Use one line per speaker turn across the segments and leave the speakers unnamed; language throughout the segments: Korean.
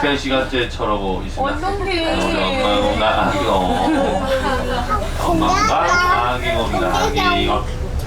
시간 시간째 쳐러고 있습니다.
원동기.
엄마가 아기곰이다. 아기곰.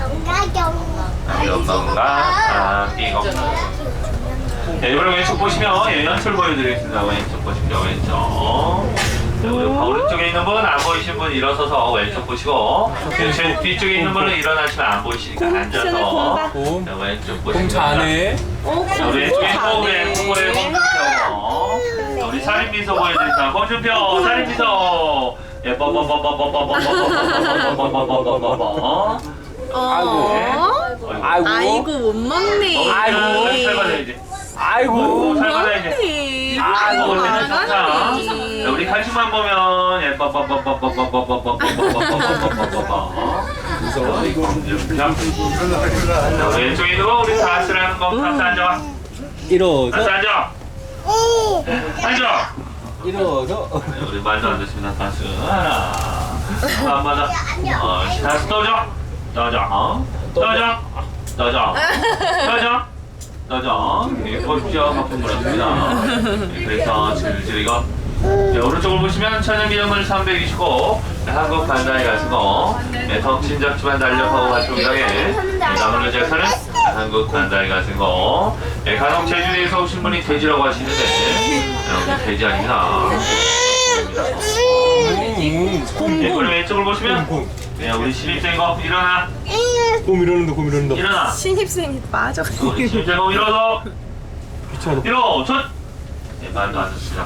아기곰. 자, 이번에 왼쪽 보시면 연출 보여드리겠습니다. 왼쪽 보십시오. 왼쪽. 자, 우리 오른쪽에 있는 분, 안 보이신 분 일어서서 왼쪽 보시고, 제 뒤쪽에 있는 분은 일어나시면 안 보이시니까 앉아서. 자, 왼쪽 보시면.
공 잘하네.
자, 우리 왼쪽에 또 왼쪽에 홍준표. 우리 살인미소 보여드립니다. 홍준표, 살인미소. 예,
아이고 못 먹네.
아이고, 살 받아야지.
아이고.
살 받아야지. 아이고, 어쨌든 좋다. 자, 우리 칼춤만 보면 예, 자, 왼쪽에 있는 거 우리 다스라는 거 다스 앉아. 다스
일어서.
앉아. 앉아.
일어서.
네, 우리 말도 안 됐습니다. 다스 하나. 안 맞아. 다스 떠져. 떠져. 떠져. 떠져. 떠져. 떠져. 예, 골프죠. 바쁜 거랍니다. 그래서 질질 이거. 네, 오른쪽을 보시면 천연기념물 329 한국 반다이 가수고 네, 덕친작 집안 달력하고 활동이라게 남은 여자사는 한국 반다이 가수고 네, 간혹 제주도에서 오신 분이 돼지라고 하시는데 네, 돼지 아닙니다. 네, 우리 왼쪽을 보시면 네, 우리 신입생거 일어나.
곰 이러는다. 곰 이러는다.
일어나.
신입생이 빠져.
우리 신입생거 일어서.
귀찮아.
일어서. 네, 말도 안 듣습니다.